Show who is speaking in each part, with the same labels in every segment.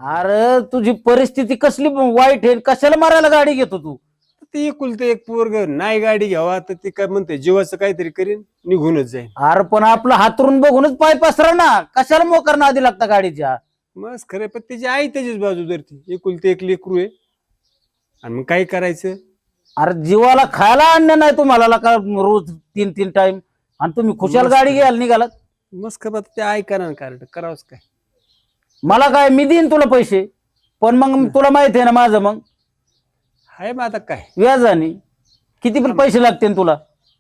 Speaker 1: अरे तुझी परिस्थिती कसली वाईट आहे, कशाला मारायला गाडी घेतो तू?
Speaker 2: ते एकुलते एक पोरग नाही गाडी घ्यावा तर ते काय म्हणते जीवाचं काहीतरी करीन निघूनच जाईल.
Speaker 1: अरे पण आपलं हातरून बघूनच पाय पसरा ना, कशाला मोकर आधी लागता गाडीच्या?
Speaker 2: मस्त खरं पण त्याची आई त्याचीच बाजू धरती. एकुलते एक लेकरू आहे आणि मग काय करायचं.
Speaker 1: अरे जीवाला खायला आणणं नाही तुम्हाला का रोज 3-3 टाइम, आणि तुम्ही खुशाल गाडी घ्यायला निघालात.
Speaker 2: मस्त खबर ते ऐका ना कारण करावंच काय.
Speaker 1: मला काय, मी देईन तुला पैसे, पण मग तुला माहिती आहे ना माझं, मग
Speaker 2: हाय मग आता काय.
Speaker 1: व्याजाने किती पण पैसे लागतील तुला?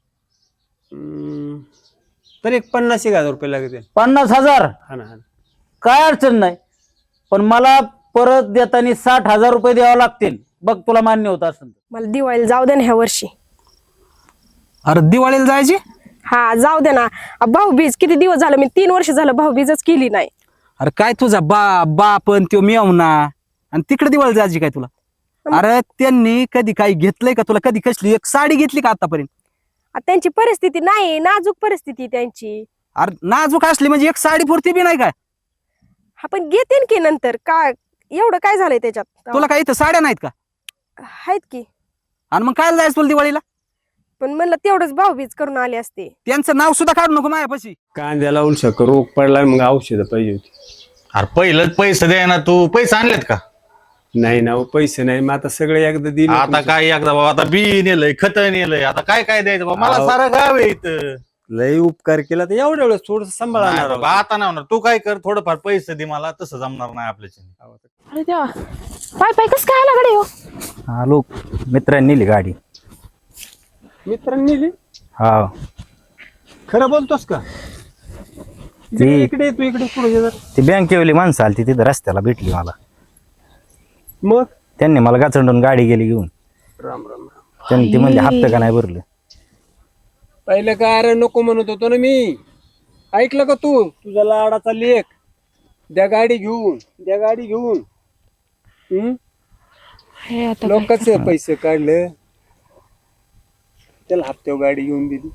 Speaker 2: तर एक 50,000 रुपये लागतील.
Speaker 1: 50,000?
Speaker 2: हा ना.
Speaker 1: काय अडचण नाही, पण मला परत देताना 60,000 रुपये द्यावे लागतील. बघ तुला मान्य होत असेल.
Speaker 3: मला दिवाळीला जाऊ दे ना ह्या वर्षी.
Speaker 4: अरे दिवाळीला जायची?
Speaker 3: हा जाऊ दे ना. भाऊबीज किती दिवस झालं, मी 3 वर्ष झालं भाऊबीजच केली नाही.
Speaker 4: अरे काय तुझा बापन त्यो मेवना आणि तिकडे दिवाळी जायची काय तुला? अरे त्यांनी कधी काही घेतलंय का तुला? कधी कसली एक साडी घेतली का आतापर्यंत?
Speaker 3: त्यांची परिस्थिती नाही, नाजूक परिस्थिती त्यांची.
Speaker 4: अरे नाजूक असली म्हणजे एक साडी पुरती बी नाही काय?
Speaker 3: हा पण घेते की नंतर. काय एवढं काय झालंय त्याच्यात?
Speaker 4: तुला काही इथं साड्या नाहीत का?
Speaker 3: आहेत की.
Speaker 4: आणि मग काय जायचं तुला दिवाळीला?
Speaker 3: पण म्हणलं तेवढंच भाऊबीज करून आले असते.
Speaker 4: त्यांचं नाव सुद्धा काढू नको माझ्यापाशी.
Speaker 2: कांद्याला उलशा रोग पडला मग औषध पाहिजे होती.
Speaker 5: अरे पहिलंच पैसे द्या ना, तू पैसे आणलेत का?
Speaker 2: नाही ना पैसे नाही. मग आता सगळे एकदा दिले.
Speaker 5: आता काय एकदा बाबा, आता बी नेलंय, खत नेलंय, आता काय काय द्यायचं बाबा? मला
Speaker 2: अहो.
Speaker 5: सारं गाव आहे इथं.
Speaker 2: लय उपकार केला तर एवढ्या वेळेस थोडस
Speaker 5: नाही
Speaker 2: सांभाळणार.
Speaker 5: बाबा, आता नाही होणार. तू काय कर, थोडंफार पैसे दे मला, तसं जमणार नाही आपल्याच्या.
Speaker 3: अरे देवा, पाय पाय कस काय आला गडे हो?
Speaker 4: आलो, मित्रांनी नेली गाडी.
Speaker 2: मित्रांनी नेली?
Speaker 4: हा
Speaker 2: खरं बोलतोस का? इकडे तू इकडे पुढे जर.
Speaker 4: ती बँकेवाली माणसं आली तिथे रस्त्याला भेटली मला.
Speaker 2: मग
Speaker 4: त्यांनी मला गाचंडून गाडी गेली घेऊन.
Speaker 2: राम राम.
Speaker 4: त्यांनी ती म्हणजे हप्ता का नाही भरलं.
Speaker 2: पहिलं काय अरे नको म्हणत होतो ना मी. ऐकलं का तू? तुझा लाडाचा लेख द्या गाडी घेऊन, द्या गाडी घेऊन. लोकांचे पैसे काढले, त्याला हप्त्यावर गाडी घेऊन दिली.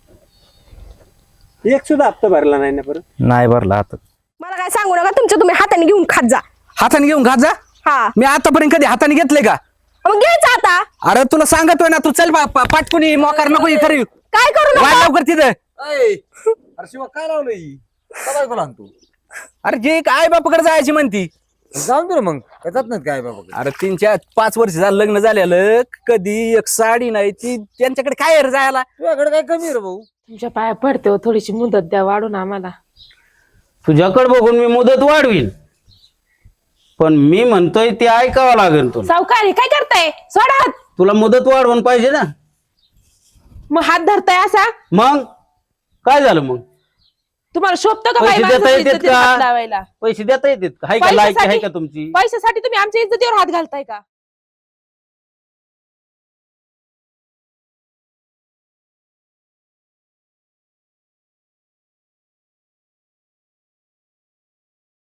Speaker 2: एक सुद्धा हप्ता भरला नाही ना परत.
Speaker 4: नाही भरला आता.
Speaker 3: मला काय सांगू नका, तुमच्या तुम्ही हाताने घेऊन खात जा.
Speaker 4: हाताने घेऊन घात जा?
Speaker 3: हा
Speaker 4: मी आतापर्यंत कधी हाताने घेतले का?
Speaker 3: मग घ्यायचं आता.
Speaker 4: अरे तुला सांगतोय ना, तू चल पाटकुनी मोकार नको करू.
Speaker 3: काय करू
Speaker 4: वाट
Speaker 3: नका.
Speaker 4: लवकर तिथं.
Speaker 6: अरे शिवा काय लावलं ही? काय बोला तू?
Speaker 4: अरे जे आई बापाकडे जायची म्हणती.
Speaker 6: जाऊन दे ना मग, काय जात नाहीत काय बाबा?
Speaker 4: अरे 3-4-5 वर्ष झालं लग्न झालेलं, कधी एक साडी नाही ती त्यांच्याकडे काय रे जायला.
Speaker 6: तुझ्याकडे काय कमी रे भाऊ?
Speaker 7: तुमच्या पाया पडते हो, थोडीशी मुदत द्या वाढून आम्हाला.
Speaker 1: तुझ्याकडे बघून मी मुदत वाढवीन, पण मी म्हणतोय ते ऐकावं लागेल तुला.
Speaker 7: सावकारी काय करताय? सोडा हात.
Speaker 1: तुला मुदत वाढवून पाहिजे ना.
Speaker 7: मग हात धरताय असा?
Speaker 1: मग काय झालं? मग
Speaker 7: तुम्हाला शोभतं का
Speaker 1: पैसे
Speaker 7: बाई
Speaker 1: देता
Speaker 7: माणसाच्या
Speaker 1: येतात
Speaker 7: इज्जतीला हात
Speaker 1: का?
Speaker 7: लावायला?
Speaker 1: पैसे देता येतात का? हाय का लायकी आहे का तुमची?
Speaker 7: पैशासाठी तुम्ही आमच्या इज्जतीवर हात घालताय का?